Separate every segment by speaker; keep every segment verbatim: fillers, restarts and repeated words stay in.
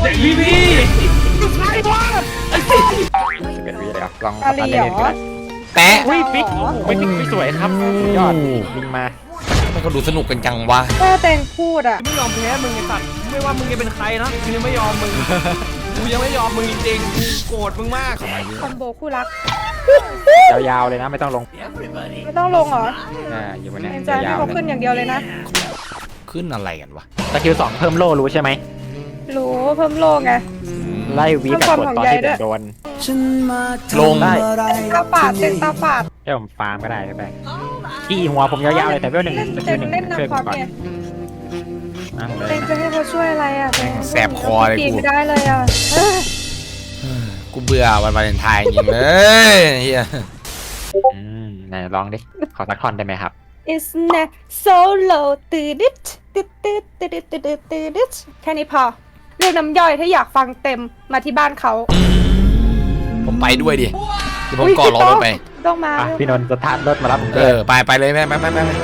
Speaker 1: พี่พี่ใครวะ
Speaker 2: สิบเอ็ดวิเลยครับลอง
Speaker 3: อาลีเหรอ
Speaker 4: แปะ
Speaker 1: อุ้ยปิ๊กไม่ปิ๊กไม่สวยครับยอดลิงมา
Speaker 4: มันก็ดูสนุกกันจังวะ
Speaker 3: แค่แตงพูดอ่ะ
Speaker 1: ไม่ยอมแพ้มึงไอ้สัตว์ไม่ว่ามึงจะเป็นใครนะกูยังไม่ยอมมึงกูยังไม่ยอมมึงจริงๆกูโกรธมึงมาก
Speaker 3: คอมโบคู่รัก
Speaker 2: ยาวๆเลยนะไม่ต้องลง
Speaker 3: ไม่ต้องลงเหรอ
Speaker 2: อ่าอยู่บนเนี้ย
Speaker 3: เอ็นจอย
Speaker 2: ยา
Speaker 3: ให้
Speaker 2: ว
Speaker 3: เขา
Speaker 2: ๆเล
Speaker 3: ขึ้น
Speaker 2: ย
Speaker 3: อย่างเดียวเลยนะ
Speaker 4: ขึ้นอะไรกันวะ
Speaker 2: สกิลสองเพิ่มโล่รู้ใช่ไหม
Speaker 3: รู้เพิ่มโลงไง
Speaker 2: ไล่วีกับกดตอนที่ผมโดน
Speaker 4: ลง
Speaker 2: ได้
Speaker 3: ตาฝาดเต็มตาฝาด
Speaker 2: ให้ผมฟาร์มก็ได้ใช่ไหมขี้หัวผมยาวๆเลยแต่เพื่อนหนึ่ง
Speaker 3: เล่น
Speaker 2: สกิ
Speaker 3: เต็
Speaker 2: ล
Speaker 3: ม
Speaker 2: หนึ่ง
Speaker 3: เล่น
Speaker 2: ช่วย
Speaker 3: น้ำ
Speaker 2: ผ
Speaker 3: คอ
Speaker 2: ม
Speaker 3: ร์
Speaker 2: ก่อน
Speaker 3: เนี่ย
Speaker 2: นั่งเล
Speaker 3: เต็
Speaker 2: ย
Speaker 3: มจะให้เขาช่วยอะไรอ่ะเต็ม
Speaker 4: แสบคอเลยกู
Speaker 3: ปีนไม่ได้เลยอ่ะเอ้ย
Speaker 4: กูเบื่อวันวาเลนไทน์จริงเลยเฮีย
Speaker 2: อืมไหนลองดิขอสักท่อนได้ไหมครับ
Speaker 3: It's not so low ตืดดิดตืดตืดตืดตืดตืดตืดดิดแค่นี้พอเรื่องน้ำย่อยถ้าอยากฟังเต็มมาที่บ้านเขา
Speaker 4: ผมไปด้วยดิเดี๋ยวผมก่อรอรถไป
Speaker 3: ต้องมา
Speaker 2: อ่ะพี่นนท์สตาร์ทรถมารับผม
Speaker 4: เอ
Speaker 2: เลย
Speaker 4: อไปไปเลยแม่ไปไปไปไป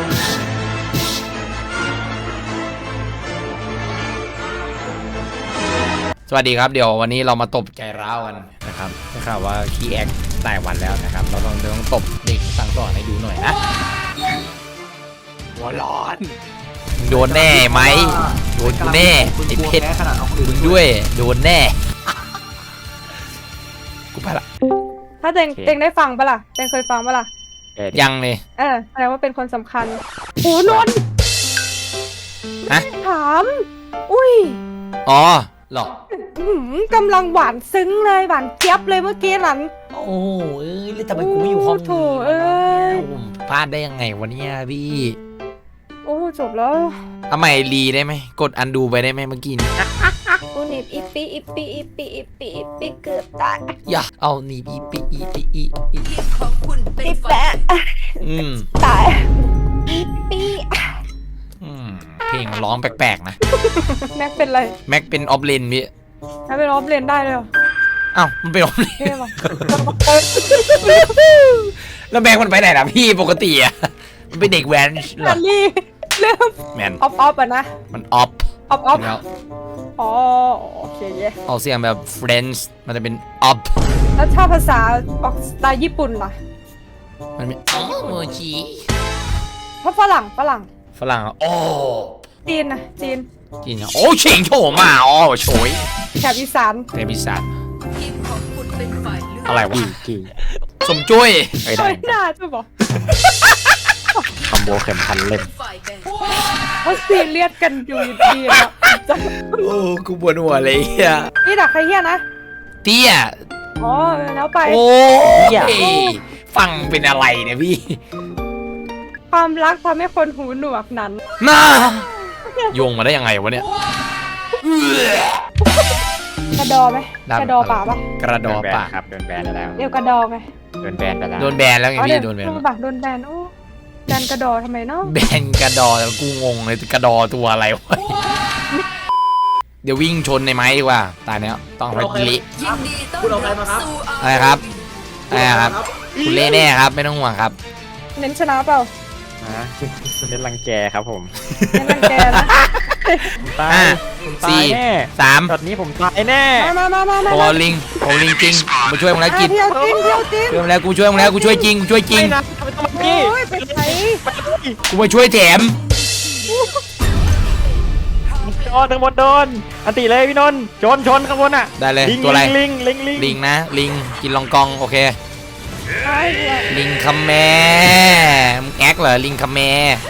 Speaker 4: สวัสดีครับเดี๋ยววันนี้เรามาตบใจร้าวกันนะครับได้ข่าวว่าขี้แอกหลายวันแล้วนะครับ เราต้องต้องตบเด็กสั่งสอนให้ดูหน่อยนะหัวร้อนโดนแน่ไหมโดนกูแน่ไอ้เพชรมึงด้วยโดนแน่กูไปละ
Speaker 3: ถ้าเต็งเต็งได้ฟังปะล่ะเต็งเคยฟังปะล่ะ
Speaker 2: เอ็ด
Speaker 4: ยังเลย
Speaker 3: เออแสดงว่าเป็นคนสำคัญโอ้นนท์
Speaker 4: ฮะ
Speaker 3: ถามอุ้ย
Speaker 4: อ๋อหรอ
Speaker 3: อื้อหือกำลังหวานซึ้งเลยหวานเจี๊ยบเลยเมื่อกี้นั้น
Speaker 4: โอ้เอ้ยแล้วทำไมกูไม่อยู่ห้อง
Speaker 3: โถเอ้ย
Speaker 4: ผมพลาดได้ยังไงวะเนี่ยพี่
Speaker 3: โอ้จบแล้ว
Speaker 4: เอาใหม่รีได้ไหมกดอันดูไปได้ไหมเมื่อกี้นี้
Speaker 3: กูหนีบอีปีอีปีอีปีอีปีอีปีเกือบตาย
Speaker 4: อย่าเอาหนีบอีปีอีปีอีอี
Speaker 3: อีแปะ
Speaker 4: อืม
Speaker 3: ตายอีปี
Speaker 4: อืมเพลงร้องแปลกๆนะ
Speaker 3: แม็กเป็นไร
Speaker 4: แม็กเป็นออฟเลนพี่
Speaker 3: แม็กเป็นออฟเลนได้เลยเหรอ
Speaker 4: อ้าวมันเป็นออฟเลน
Speaker 3: เท่ปะ
Speaker 4: แล้วแม็กมันไปไหนล่ะพี่ปกติอ่ะมันเป็นเด็กแว้นเหร
Speaker 3: อั
Speaker 4: อน
Speaker 3: นี้เริ่ม
Speaker 4: แมน
Speaker 3: ออฟออฟอ่ะนะ
Speaker 4: มันออฟ
Speaker 3: ออฟออฟ
Speaker 4: แล้ว
Speaker 3: อ๋อโอเคเย้
Speaker 4: ออกเสียงแบบเฟรนช์มันจะเป็นออฟ
Speaker 3: แล้วถ้าภาษาออกสไตล์ญี่ปุ่นล่ะ
Speaker 4: มันเป็นอ๋อโมจิ
Speaker 3: เพราะฝรั่งฝรั่ง
Speaker 4: ฝรั่งอ่ะโอ้
Speaker 3: จีนนะจีน
Speaker 4: จริงอ่ะโอ้เฉิงโฉมาอ๋อโฉย
Speaker 3: แถบอีสาน
Speaker 4: เทพิสันอะไรวะ
Speaker 2: กี่กี่
Speaker 4: สมจุ้ย
Speaker 2: เอ้ย
Speaker 3: เฮ้
Speaker 2: ได้
Speaker 3: ยน่าจะบอก
Speaker 2: คอมโบเข็มพันเล่ม
Speaker 3: เขาซีเรียสกันอยู่ดีๆนะจะ
Speaker 4: โอ้กูปวดหัวเลยอ่ะ
Speaker 3: นี่ดักใครเฮียนะ
Speaker 4: เตี้ย
Speaker 3: อ๋อแล้วไป
Speaker 4: โอ้ยฟังเป็นอะไรเนี่ยพี่
Speaker 3: ความรักทำให้คนหูหนวกนั้น
Speaker 4: น่าโยงมาได้ยังไงวะเนี่ย
Speaker 3: กระดอไหมกระดอป่าปะ
Speaker 4: กระดอ
Speaker 2: โนแบน
Speaker 4: ป่า
Speaker 2: ครับโดนแบนแล้ว
Speaker 3: เอวกระดอไง
Speaker 2: โดนแบนไปแล้ว
Speaker 4: โดนแบนแล้วไง
Speaker 3: อ๋อ
Speaker 4: พี่
Speaker 3: เดี๋ยว
Speaker 4: โดนแบน
Speaker 3: เออป่ะโดนแบนโอ้แบนกระดอทำไมเนาะ
Speaker 4: แบนกระดอแล้วกูงงเลยกระดอตัวอะไรวะเดี๋ยววิ่งชนในไม้ดีกว่าตายแล้วต้องไปกิลิ
Speaker 1: คุณเอาใครมาครับ
Speaker 4: อะไรครับอะไรครับคุณเล่แน่ครับไม่ต้องห่วงครับ
Speaker 3: เน้นชนะเปล่า
Speaker 2: นะเน้นรังแกครับผม
Speaker 3: เน้นรังแกนะ
Speaker 2: ตาย
Speaker 4: ห้า
Speaker 2: ผมตา
Speaker 4: สี่
Speaker 2: ยแน่
Speaker 4: สาม
Speaker 2: ช็อตนี้ผมตายแน่
Speaker 3: มามามามา
Speaker 4: โอ้
Speaker 3: มา
Speaker 4: ลิงโอ้ลิงจริงมาช่วยมึงแล้วกิน
Speaker 3: เที่ยวจริงเที่ยวจริง
Speaker 4: ช่วยมึงแล้วกูช่วยมึงแล้วกูช่วยจริงกูช่วยจริง
Speaker 2: ไม่นะไม่ต้องมาพี่
Speaker 3: โอ้ยไปไหน
Speaker 4: กูมาช่วยแถม
Speaker 2: โดนทั้งหมดโดนอันติเลยพี่นนท์ชนชนข้างบนอ่ะ
Speaker 4: ได้เลย
Speaker 2: ลิง
Speaker 4: ตัวอะไร
Speaker 2: ลิงลิงลิง
Speaker 4: ลิงนะลิงกินลองกองโอเค
Speaker 3: ไอ้เนี่ย
Speaker 4: ลิงคัมแมมึงแอคเหรอลิงคัมแม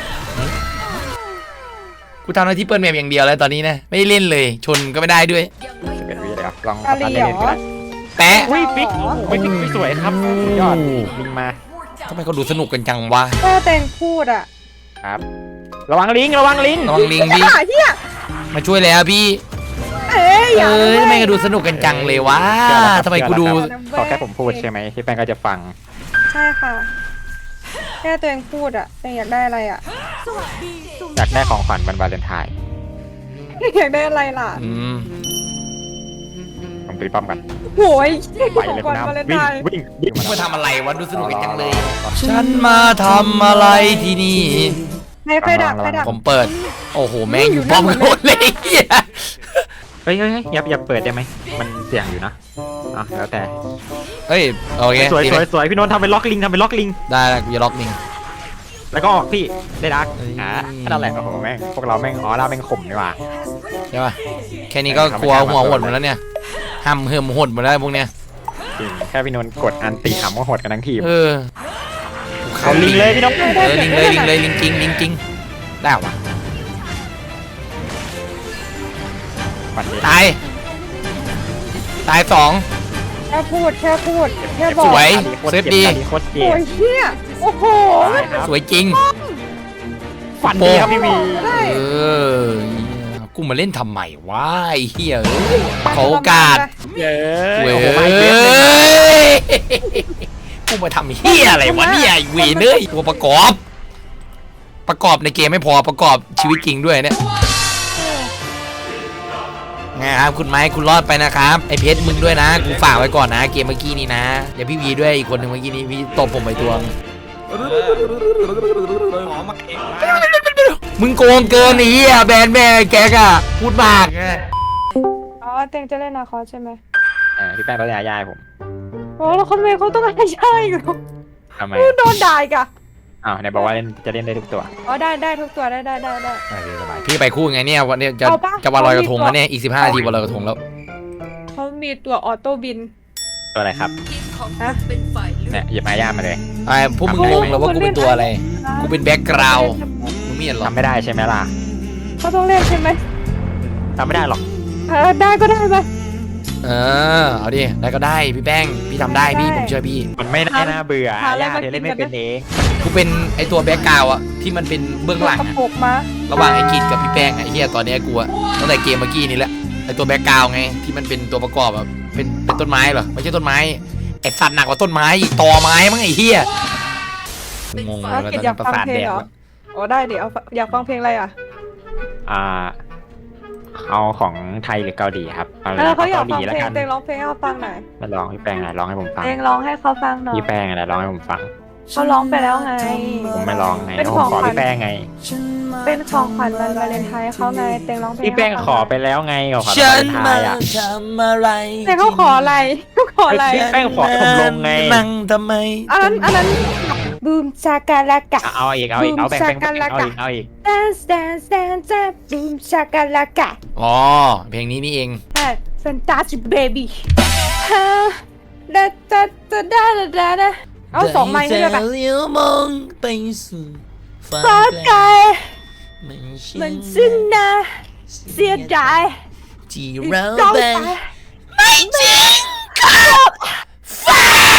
Speaker 4: กูทำหน้าที่เปิดแมปอย่างเดียวแล้วตอนนี้นะไม่ได้เล่นเลยชนก็ไม่ได้ด้วย
Speaker 2: สิบเอ็ดวิเลยครับลอง
Speaker 3: อาลีเหรอ
Speaker 4: แปะ
Speaker 1: อุ้ยปิ๊กไม่ปิ๊กไม่สวยครับยอดลิงมา
Speaker 4: ทำไมเขาดูสนุกกันจังวะ
Speaker 3: แค่แตงพูดอ่ะ
Speaker 2: ครับระวังลิงระวังลิง
Speaker 4: ระวังลิงพี่
Speaker 3: อ่ะเฮีย
Speaker 4: มาช่วยแล้วพี่
Speaker 3: เอ้ยอย่า
Speaker 4: เอ้ย
Speaker 3: เลย
Speaker 4: ทำไมเขาดูสนุกกันจังเลยวะทำไมกูดู
Speaker 2: ขอแค่ผมพูดใช่ไหมที่แป้งก็จะฟัง
Speaker 3: ใช่ค่ะ แค่ตัวเองพูดอ่ะตัวเองอยากได้อะไรอ่ะ
Speaker 2: อยากได้ของขวัญวันวาเลนไทน์
Speaker 3: อยากได้อะไรล่ะ
Speaker 4: อืม
Speaker 2: ผมตีป้อมกัน
Speaker 3: โอ้ย
Speaker 2: ไป
Speaker 3: ของ
Speaker 2: เลย
Speaker 3: ข
Speaker 2: คุ
Speaker 3: วั
Speaker 2: ณ
Speaker 3: ญ
Speaker 2: น้ำ
Speaker 3: วาเลน
Speaker 2: วิ่
Speaker 3: ไท
Speaker 2: ง
Speaker 3: น์
Speaker 2: วิ่งวิ่ง
Speaker 4: มาทำอะไรวะดูสนุกกันจังเลยฉันมาทำอะไรที่นี่
Speaker 3: ใครใครดักใครดัก
Speaker 4: ผมเปิดโอ้โหแม่งอยู่ป้อมกันหมดเลยเหี้ย
Speaker 2: เฮ้ยเฮ้ยเฮ้ยอย่าอย่าเปิดได้ไหมมันเสี่ยงอยู่นะอ่ะแล้วแต่
Speaker 4: เอ้ยโอเค
Speaker 2: สวย
Speaker 4: ตี
Speaker 2: ส
Speaker 4: เล
Speaker 2: วยสวยพี่นนท์ทำเป็นล็อกลิงทำเป็นล็อกลิง
Speaker 4: ได้แล้วกูจะล็อกมิง
Speaker 2: แล้วก็ออกพี่ได้ดัก
Speaker 4: เฮ้ย
Speaker 2: อ่านั่นแหละโอ้โหแม่งพวกเราแม่งอ๋อเราแม่งข่มดีกว่า
Speaker 4: ใช่ป่ะแค่นี้ก็กลัวหัวหดหมดแล้วเนี่ยห้ำเหิมหดหมดแล้วพวกเนี้ย
Speaker 2: จริงแค่พี่นนท์กดอันตีหำก็โหดกันทั้งทีม
Speaker 4: เออ
Speaker 2: เอาลิงเลยพี่นนท์
Speaker 4: เออลิงเลยลิงเลยลิงจริงลิงจริงได้เหรอวะ
Speaker 2: ปัดเดียว
Speaker 4: ตายตายสอง
Speaker 3: แค่พูดแค่พูดแค่บอก
Speaker 4: สวย
Speaker 2: โคตร
Speaker 4: เซฟ
Speaker 2: จ็บ
Speaker 4: ดี
Speaker 2: โคตรเจ็
Speaker 3: โอ้
Speaker 2: บ
Speaker 3: ยเชี่ยโอ้โห
Speaker 2: ตายครับ
Speaker 4: สวยจริง
Speaker 2: ฟันดีครับพี่วี
Speaker 3: ได้
Speaker 4: เออกูมาเล่นทำไมวะไอ้เหี้ยเอ้ยขอโอกาส
Speaker 2: เย้
Speaker 4: เว้
Speaker 2: โอ้
Speaker 4: ย
Speaker 2: โหไม่เจ็บเลย
Speaker 4: กูมาทำเหี้ยอะไรวะเนี่ยไอ้เวรเนยตัวประกอบ ประกอบในเกมไม่พอประกอบชีวิตจริงด้วยเนี่ยไงครับคุณไม้คุณรอดไปนะครับไอเพชรมึงด้วยนะกูฝากไว้ก่อนนะเกมเมื่อกี้นี้นะเดี๋ยวพี่วีด้วยอีกคนหนึ่งเมื่อกี้นี้พี่ตบผมไปตัวนึง
Speaker 1: ขอมาเองนะ
Speaker 4: มึงโกงเกินไอ้เหี้ยแบนแม่แกกอะพูดมาก
Speaker 3: อ๋อเต็งจะเล่นนาคอสใช่ไหม
Speaker 2: เออพี่แป้งเขาจะยายผม
Speaker 3: โอ้แล้วเขาไม่เขาต้องอะไรใช่อยู่
Speaker 2: ทำไม
Speaker 3: โดนด่าอีกอะ
Speaker 2: อ้าวไหนบอกว่าเล่นจะเล่นได้ทุกตัว
Speaker 3: อ๋อได้ได้ทุกตัวได้ได้ได้ได้
Speaker 4: พี่ไปคู่ไงเนี่ยวันนี้จะ
Speaker 3: เอาปะ
Speaker 4: จะวันลอยกระทง
Speaker 3: เอา
Speaker 4: แล้ว
Speaker 3: ดิ
Speaker 4: เนี่ยอีกสิบห้านาทีวันลอยกระทงแล้ว
Speaker 3: เขามีตัวออโต้บิน
Speaker 2: ตัวอะไรครับ
Speaker 3: ฮะ
Speaker 2: เนี่ยหยิบไม้ย่ามาเลย
Speaker 4: ไอ้พวกมึงงงแล้วว่ากูเป็นตัวอะไรกูเป็นแบ็กกราวด์มึงไม่เห็นหรอ
Speaker 2: ทำไม่ได้ใช่ไหมล่ะ
Speaker 3: เขาต้องเล่นใช่ไหม
Speaker 2: ทำไม่ได้หรอก
Speaker 3: เออได้ก็ได้ไป
Speaker 4: เออเอาดิได้ก็ได้พี่แป้งพี่ทำได้พี่ผมเชื่อพี่
Speaker 2: มันไม่น่าน่าเบื่อ
Speaker 3: หาอะไร
Speaker 2: ย่า
Speaker 3: มา
Speaker 2: เธอเล่น
Speaker 3: กิ
Speaker 2: ไม่
Speaker 3: นกัน
Speaker 2: เป็นเอง
Speaker 4: กูเป็นไอตัวแบ็กกราวด์อะที่มันเป็นเบื้องหลัง
Speaker 3: กระ
Speaker 4: อะ
Speaker 3: ปกมา
Speaker 4: ระหว่างไอ้กิจกับพี่แป้งอะไอ้เหี้ยตอนเนี้ยกูอะตั้งแต่เกมเมื่อกี้นี่แหละไอตัวแบ็กกราวด์ไงที่มันเป็นตัวประกอบอะเป็นเป็นต้นไม้เหรอไม่ใช่ต้นไม้ไอสัตว์หนักกว่าต้นไม้อีกตอไม้มั้งไอ้เหี้ยงง
Speaker 3: เอา
Speaker 4: แล้ว
Speaker 3: กิ
Speaker 4: ต
Speaker 3: จ
Speaker 4: อน
Speaker 3: อยา
Speaker 4: นี้
Speaker 3: ก
Speaker 4: ประ
Speaker 3: ฟัง
Speaker 4: สาท
Speaker 3: เพล
Speaker 4: แด
Speaker 3: ง
Speaker 4: ก
Speaker 3: เหรอ
Speaker 4: แล้ว
Speaker 3: อ๋อได้เดี๋ยวเอาอยากฟังเพลงอะไรอ่ะ
Speaker 2: อ่าเอาของไทยหรือเกาหลีครับเอา
Speaker 3: เออเขาอยาก
Speaker 2: เกาห
Speaker 3: ฟัง
Speaker 2: ลีแล้ว
Speaker 3: เพลง
Speaker 2: กัน
Speaker 3: เต็งร้องเพลงให้เขาฟังหน่อย
Speaker 2: มาลองพี่แป้งอะไรร้องให้ผมฟัง
Speaker 3: เต็งร้องให้เขาฟังหน่อย
Speaker 2: พี่แป้งอะไรร้องให้ผมฟัง
Speaker 3: เขาร้องไปแล้วไง
Speaker 2: ผมไม่ร้องไง
Speaker 3: เป็น
Speaker 2: ผม
Speaker 3: ของ
Speaker 2: ขอ
Speaker 3: ขวัญ
Speaker 2: พี่แป้งไง
Speaker 3: เป็นของขวัญวันวาเลนไทน์เขาไงเต็งร้องเพลง
Speaker 2: พี่แป้ง
Speaker 3: ให้
Speaker 2: ข
Speaker 3: เขา
Speaker 2: อ
Speaker 3: ฟัง
Speaker 2: ไปแล้วไงขอขอ
Speaker 4: ฉัน
Speaker 2: ไท
Speaker 4: มาย
Speaker 2: อ่ะ
Speaker 4: ทำอะไร
Speaker 3: เต็งเขาขออะไรเขาขออะไร
Speaker 2: พี่แป้งขอให้ผมลงไง
Speaker 4: นั่งทำไม
Speaker 3: อันนั้นอันนั้นบูมชาการลากะ
Speaker 2: เอาอีกเอาอีกเอาแบ่งแบ่ง
Speaker 3: บูม
Speaker 2: แบ่ง
Speaker 3: ชากั
Speaker 2: เอา
Speaker 3: น
Speaker 2: อีกเอาอีก
Speaker 3: dance dance dance dance บูมชาการลากะ
Speaker 4: อ๋อเพลงนี้นี่เอง
Speaker 3: ใช่ fantastic baby ฮะดาดาดาดาดาดาดาเอาสองไม้ให้ด้วยปะ
Speaker 4: เลี้ยวมองไปสู่ฟ้า
Speaker 3: ฟ้าไกล
Speaker 4: มัน
Speaker 3: มันสิ้นนะเสียดาย
Speaker 4: ที่เรา
Speaker 3: เรา
Speaker 4: แบ่ง
Speaker 3: ไป
Speaker 4: ไม่จริงครับฟ้า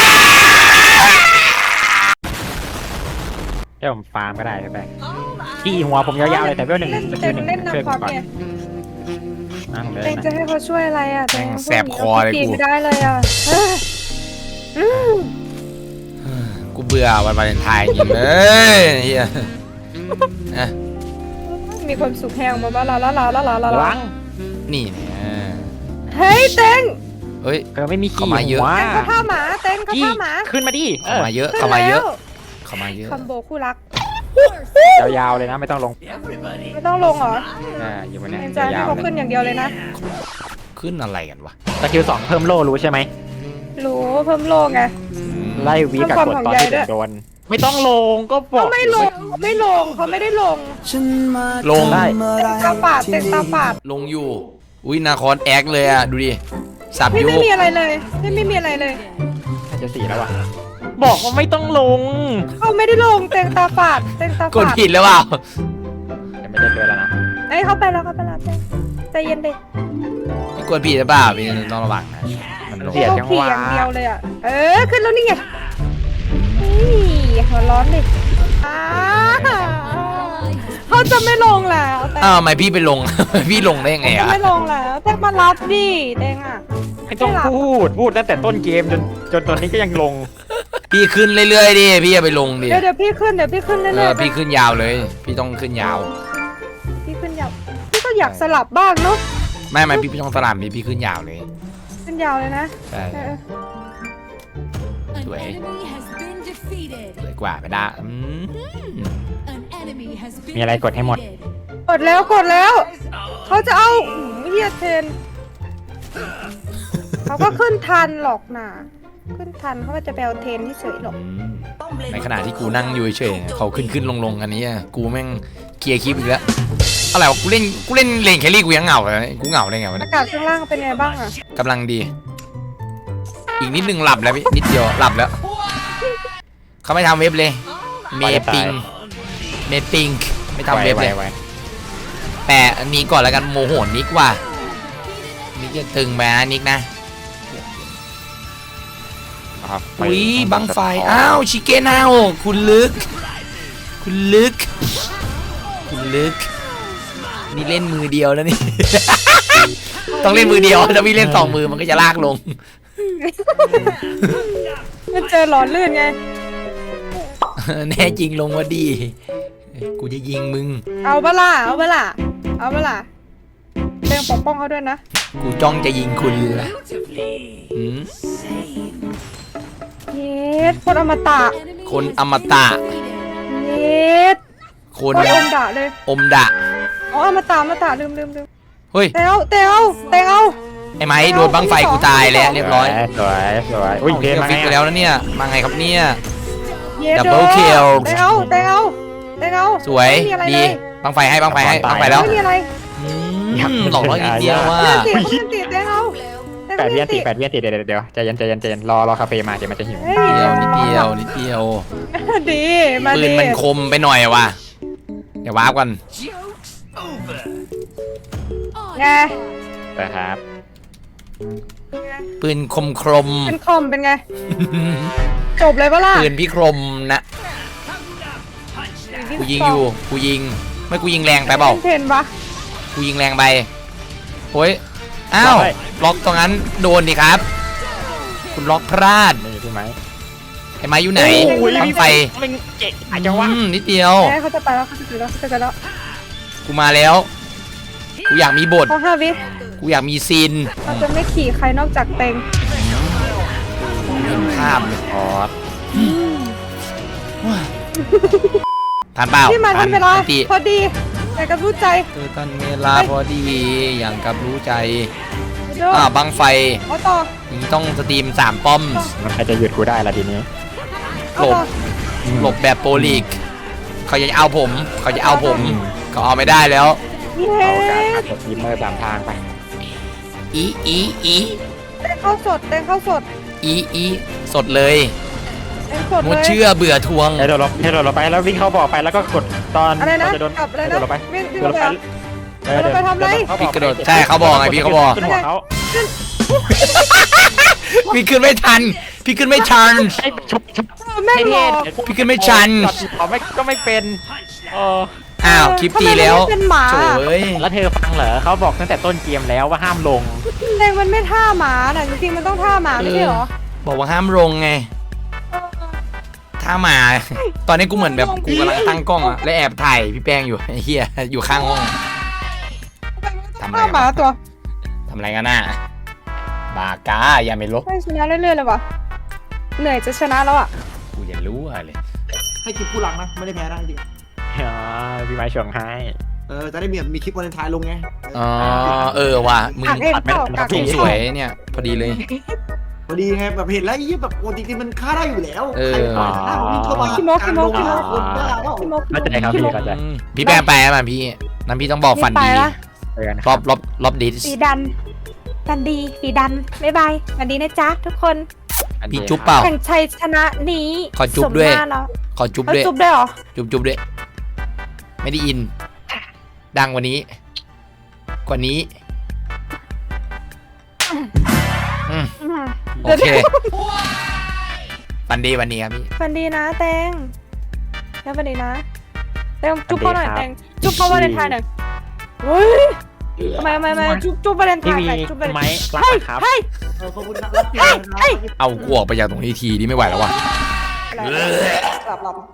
Speaker 2: เดี๋ยวผมฟาร์มก็ได้พี่แป้งที่หัวผมยาวๆเลยแต่เพื่อนหนึ่ง
Speaker 3: เล่น
Speaker 2: สกิ
Speaker 3: เต็
Speaker 2: ล
Speaker 3: ง
Speaker 2: หนึ่ง
Speaker 3: เล่น
Speaker 2: ช่วย
Speaker 3: น้ำค
Speaker 2: ผ
Speaker 3: อ
Speaker 2: ม
Speaker 3: ร์
Speaker 2: ก่อน
Speaker 3: เนี่ย
Speaker 2: นั่งเลย
Speaker 3: เต็ง
Speaker 2: นะ
Speaker 3: จะให้เขาช่วยอะไรอ่ะเต็ง
Speaker 4: แสบคอเลย
Speaker 3: ตี
Speaker 4: กู
Speaker 3: ไม่ได้เลยอ่ะเอออืม
Speaker 4: กูเบื่อวันวาเลนไทน์จริงเลยเฮียนะ
Speaker 3: มีความสุขแห้งมาบ้าลาลาลาลาลาลา
Speaker 2: ล้าง
Speaker 4: นี่เนี่ย
Speaker 3: เฮ้ยเต็ง
Speaker 4: เฮ้ย
Speaker 2: เออไม่มีขี้
Speaker 4: เข้ามาเยอะ
Speaker 2: หัว
Speaker 3: เต็งเขาท่าหมาเต็งเขา
Speaker 2: ขี้
Speaker 3: ท่าหมา
Speaker 2: ขึ้นมาดิเอ
Speaker 4: เข้า
Speaker 2: อ
Speaker 4: มาเยอะเข้ามาเยอะเข้ามาเยอะ
Speaker 3: คอมโบคู่รัก
Speaker 2: ยาวๆเลยนะไม่ต้องลง
Speaker 3: ไม่ต้องลงเหรอ
Speaker 2: อ่าอยู่บนเนี้ย
Speaker 3: เต็งจะให้
Speaker 2: ยาว
Speaker 3: เขา
Speaker 2: ๆเล
Speaker 3: ขึ้
Speaker 2: ย
Speaker 3: นอย่างเดียวเลยนะ
Speaker 4: ขึ้นอะไรกันวะ
Speaker 2: สกิลสองเพิ่มโล่รู้ใช่ไหม
Speaker 3: รู้เพิ่มโลงไง
Speaker 2: ไล่วีกับ
Speaker 3: เพิ่ม
Speaker 2: ก
Speaker 3: ความ
Speaker 2: ดตอน
Speaker 3: ห่วงใย
Speaker 2: ที่
Speaker 3: ด้วย
Speaker 2: โดน ไม่ต้องลงก็บอ
Speaker 3: เขา
Speaker 2: ก
Speaker 3: ไม่ลงไม่ลงเขาไม่ได้ลง
Speaker 4: ลง
Speaker 2: ได้
Speaker 3: เต็งตาฝาดเต็งตาฝาด
Speaker 4: ลงอยู่อุ้ยนาคอนแอคเลยอ่ะดูดิสับ
Speaker 3: พี่
Speaker 4: ยุ
Speaker 3: ไม่มีอะไรเลยพี่ไม่มีอะไรเลย
Speaker 2: น่าจะสี่แล้วว่ะบอกว่าไม่ต้องลง
Speaker 3: เขาไม่ได้ลงเต็งตาฝาดเต็งตาก
Speaker 4: ด
Speaker 3: ฝาด
Speaker 4: ผิดแล้วเปล่า
Speaker 2: จะไม่ได้ด้วยแล้วนะ
Speaker 3: เอ้ยเขาไปแล้วเขาไปแล้วเต็งใจเย็นดิ
Speaker 4: พี่กดผิดหรือเปล่าพี่ต้องระวังนะมันลง
Speaker 2: เสีย
Speaker 3: เขา
Speaker 2: จัง
Speaker 3: ขี่
Speaker 2: หวะ
Speaker 3: อย่างเดียวเลยอ่ะเออขึ้นแล้วนี่ไงนี่หัวร้อนดิอ้าเขาจะไม่ลงแล้วแต่
Speaker 4: อ้าวทำไมพี่ไปลง พี่ลงได้ยังไง
Speaker 3: จะ
Speaker 4: อ่ะ
Speaker 3: ไม่ลงแล้วแต่มารับดิเต็งอ่ะ
Speaker 2: ไม่ต้องพูดพูดตั้งแต่ต้นเกมจนจนตอนนี้ก็ยังลง
Speaker 4: พี่ขึ้นเรื่อยๆดิพี่อย่าไปลงดิ
Speaker 3: เดี๋ยวเดี๋ยวพี่ขึ้นเดี๋ยวพี่ขึ้น
Speaker 4: เอ
Speaker 3: เรื่อ
Speaker 4: อย
Speaker 3: ๆ
Speaker 4: พี่ขึ้นยาวเลย พี่ต้องขึ้นยาว
Speaker 3: พี่ขึ้นยาวพี่ก็อยากสลับบ้างเนาะ
Speaker 4: ไม่ไม่พี่พี่ต้องสลับพี่พี่ขึ้นยาวเลย
Speaker 3: ขึ้นยาวเลยนะ
Speaker 4: ใช่
Speaker 3: เออ
Speaker 4: สวย
Speaker 5: An enemy has been defeated.
Speaker 4: สวยกว่าไปได้อืม
Speaker 5: An enemy has been
Speaker 2: มีอะไรกดให้หมด
Speaker 5: defeated.
Speaker 3: กดแล้วกดแล้วเขาจะเอาหืมเฮียเทนเขาก็ขึ้นทันหรอกนะขึ้นทันเขาก็จะไปเอาเทรนที่เฉยหรอก
Speaker 4: อืมในขณะที่กูนั่งอยู่เฉยๆเขาขึ้นขึ้นลงลงอันนี้อะกูแม่งเคลียร์คลิปอีกแล้วอะไรวะกูเล่นกูเล่นเลนแครี่กูยังเหงาเลยกูเหงาได้ไงวะ
Speaker 3: อา
Speaker 4: เนี่ย
Speaker 3: กาศข้างล่างเป็นไงบ้างอะ
Speaker 4: กำลังดี อีกนิดนึงหลับแล้วพี่นิดเดียวหลับแล้วเขาไม่ทำเว็บเลยเมปิงเมปิงไม่ทำเว็บเลย
Speaker 2: ไว
Speaker 4: แต่อันนี้ก่อนแล้วกันโมโหนิกว่ะนิกจะตึงไปนะนิกนะ
Speaker 2: ๆครับ
Speaker 4: อุ้ยบังไฟอ้าวชิเก้นาวคุณลึก คุณลึก คุณลึก นี่เล่นมือเดียวแล้วนี่ ต้องเล่นมือเดียวถ้าพี่เล่นสองมือมันก็จะลากลง
Speaker 3: มันเจอหลอนลื่นไง
Speaker 4: แน่จริงลงว่าดี กูจะยิงมึง
Speaker 3: เอาเบล่าเอาเบล่าเอาเบล่าเต็งปกป้องเขาด้วยนะ
Speaker 4: กูจ้องจะยิงคุณละอืม
Speaker 3: เย็ดคนอมตะ
Speaker 5: Enemy
Speaker 4: คน
Speaker 5: has
Speaker 4: อมตะ
Speaker 3: เย็ด
Speaker 4: ค
Speaker 3: คน นอมดะเลย
Speaker 4: อมดะ
Speaker 3: อ๋ออมตะอมตะลืมลืมลืม
Speaker 4: เฮ้ย
Speaker 3: เตเอาเตเอาเตเอา
Speaker 4: ไอ้ไม้โดนบังไฟกูตายแล้วเรียบร้อย
Speaker 2: สวยสวยอุ้ย
Speaker 4: เอ้า
Speaker 2: เพล
Speaker 4: เฮีย
Speaker 2: มา
Speaker 4: ฟิกไป
Speaker 2: ไง
Speaker 4: แล้วนะเนี่ย มาไงครับเนี่ย
Speaker 3: เย็ด
Speaker 4: Double kill
Speaker 3: เตเอาเตเอาเตเอา
Speaker 4: สวย
Speaker 3: ไม่มีอะไร
Speaker 4: ดี
Speaker 3: เลย
Speaker 4: บังไฟให้บังไฟให้บังไฟแล้ว
Speaker 3: ไม่มีอะไร
Speaker 4: อืมหลอกร้อยนิดเดียวว่า
Speaker 3: ไม่มีติเตเอา
Speaker 2: แปดเวียนติแปดเวียนติเดี๋ยวเดี๋ยวเดี๋ยวใจเย็นใจเย็นใจเย็นรอรอคาเฟ่มาเดี๋ยวมันจะหิว
Speaker 3: เฮ้ย
Speaker 4: เดียวนิดเดียวนิดเดียว
Speaker 3: ดีมา
Speaker 4: ปืน
Speaker 3: ดี
Speaker 4: มันคมไปหน่อยว่ะเดี๋ยววาร์ปกัน
Speaker 3: ไง
Speaker 2: นะครับ
Speaker 4: ปืนคมครม
Speaker 3: เป็นคอมเป็นไง จบเลยปะล่ะ
Speaker 4: ปืนพี่ครมนะกูยิงอยู่กูยิงไม่กูยิงแรงไปเปล่า
Speaker 3: เห็นปะ
Speaker 4: กูยิงแรงไปโอ้ยอ้าวล็อกตรงนั้นโดนดิครับ คุณล็อกพลาด
Speaker 2: นี่ใช่ไหม
Speaker 4: ไอ้ไม้อยู่ไหนบังไฟ
Speaker 2: มันเจ๊อาจจะว่า
Speaker 4: อืมนิดเดียว
Speaker 3: แม่เขาจะไปแล้วเขาจะไปแล้วเขาจะไปแล้ว
Speaker 4: กูมาแล้ว กูอยากมีบท
Speaker 3: พอห้าวิ
Speaker 4: กูอยากมีซีน
Speaker 3: เราจะไม่ขี่ใครนอกจากเต็ง
Speaker 4: เห็นภาพเลย
Speaker 2: อ๋อ
Speaker 4: ทานเปล่า
Speaker 3: ที่มาทันเวลา
Speaker 4: ตี
Speaker 3: พอดีแต่กับรู้ใจ
Speaker 4: เออทันเวลาพอดี อย่างกับรู้ใจ
Speaker 3: เด้อ
Speaker 4: อ่าบังไฟ
Speaker 3: เอาต่อ
Speaker 4: อย่างนี้ต้องสตรีมสามป้อม
Speaker 2: มันใครจะหยุดกูได้ล่ะทีนี้
Speaker 3: เอา
Speaker 4: หลบ
Speaker 3: ต่อ
Speaker 4: หลบแบบโปรลีก เขาจะเอาผม เขาจะเอาผม เขาเอาไม่ได้แล้ว
Speaker 3: เย้
Speaker 2: เอาการขับรถยิมเมอร์สามทางไป
Speaker 4: อีอีอี
Speaker 3: เต็งเข้าสดเต็งเข้าสด
Speaker 4: อีอีสดเลย
Speaker 3: เต็งสด
Speaker 4: ง
Speaker 3: เล
Speaker 4: ด
Speaker 3: ย
Speaker 4: เชื่อเบื่อทวง
Speaker 2: ให้โดดลงให้โดดลงไปแล้ววิ่งเข้าบ่อไปแล้วก็กดตอน
Speaker 3: อะไรนะ
Speaker 2: ตจะโดน
Speaker 3: กลับอะไร
Speaker 2: ให้
Speaker 3: นะ
Speaker 2: โดดลงไป
Speaker 3: วิ่งวิ่ง
Speaker 2: โดดลงไป
Speaker 3: ไป โดดลงไปทำอะไร
Speaker 4: พี่กระโดดใช่เขาบอกไงพี่เขาบอก
Speaker 2: ขึ้นหัวเขา
Speaker 4: พี่ขึ้นไม่ทัน พี่ขึ้นไม่ทัน
Speaker 2: ให้ชุบชุบ
Speaker 3: เออแม่งหลอก
Speaker 4: พี่ขึ้นไม่ชัน
Speaker 2: เขาไม่ก็ไม่เป็นเออ
Speaker 4: อ้าวคลิปตีแล้ว
Speaker 3: ทำไมมันไม่เป็นหมา
Speaker 4: โถ่ย
Speaker 2: แล้วเธอฟังเหรอเขาบอกตั้งแต่ต้นเกมแล้วว่าห้ามลง
Speaker 3: เต็งมันไม่ท่าหมาน่ะจริงๆมันต้องท่าหมาไม่ใช่เหรอ
Speaker 4: บอกว่าห้ามลงไง ถ้ามา ตอนนี้กูเหมือนแบบกูกำลังตั้งกล้องอะและแอบถ่ายพี่แป้งอยู่ไอ้เหี้ยอยู่ข้างห้อง ทำอะไร
Speaker 3: ท่าหมาตัว
Speaker 4: ทำอะไรกันน่ะบากาอย่าไม่ลบ
Speaker 3: ไม่ชนะเรื่อยๆเลยวะเหนื่อยจะชนะแล้วอ่ะ
Speaker 4: กูอย่ารู้อะไรเลย
Speaker 6: ให้คลิปผู้หลังนะ ไม่ได้แพ้นะจริง
Speaker 2: อ๋อพี่ไม้ชงให้
Speaker 6: ๆเออจะได้มีมีคลิปวันเลนไทายลงไง
Speaker 4: อ๋อเออว่ะมึง
Speaker 3: กากเองเปล่ากาก
Speaker 4: ถู
Speaker 3: เอก ง
Speaker 4: สวยเนี่ย พอดีเลย
Speaker 6: พอดีไงแบบเห็นแล้วยี่แบบโอ้จริงๆมันฆ่าได้อยู่แล้ว
Speaker 4: เออ
Speaker 6: ใครปล่อยหน้าวิ่งเข้ามา
Speaker 3: ขี้โมกขี้โมก
Speaker 6: กา
Speaker 3: ขี้
Speaker 6: ร
Speaker 3: โม
Speaker 6: ล
Speaker 3: ก
Speaker 6: งคนบ้าเปล่า
Speaker 3: ขี้โมก
Speaker 2: เข้าใจครับพี่เข้าใจ
Speaker 4: อืมพี่แป้งไปมาพี่นั้นพี่ต้องบอกฝัน
Speaker 3: ไป
Speaker 4: ดี
Speaker 3: ละ
Speaker 2: เจอกันค
Speaker 4: ร
Speaker 2: รั
Speaker 4: อบรอบรอบดิส
Speaker 3: สีดันดันดีสีดันบ๊ายบายดันดีนะจ๊ะทุกคน
Speaker 4: พี่จุ๊บเปล่า
Speaker 3: แข่งชัยชนะนี้
Speaker 4: ขอจุ๊บด้วย
Speaker 3: สมหน้าเรา
Speaker 4: ขอจุ๊บ
Speaker 3: เขา
Speaker 4: ด้วย
Speaker 3: จุ๊บด้วยเหรอ
Speaker 4: จุ๊บจุ๊บด้วย ไม่ได้ยิน ดังกว่านี้ กว่านี้อืม
Speaker 3: อืม
Speaker 4: โอเคฝันดีวันนี้ครับพี่
Speaker 3: ฟันดีนะแตงแล้วฟันดีนะแตงจุ๊บเขาหน่อยแตงจุ๊บเขาวาเลนไทน์หน่อยเฮ้ยทำไมทำไมทำไมจุ๊บจุ๊บวาเลนไท
Speaker 2: พี่
Speaker 3: น์
Speaker 2: วี
Speaker 3: หน่อยจุ๊บวาเลนไท
Speaker 2: ไม้
Speaker 3: น์
Speaker 2: รัก
Speaker 3: เฮ้ย
Speaker 2: นะครับ
Speaker 3: เฮ้ย
Speaker 6: เออขอบคุณครับรับเกียรตินะครับ
Speaker 4: เอากูออกไปจากตรงนี้ทีนี่ไม่ไหวแล้วว่ะ
Speaker 3: หลับหลับ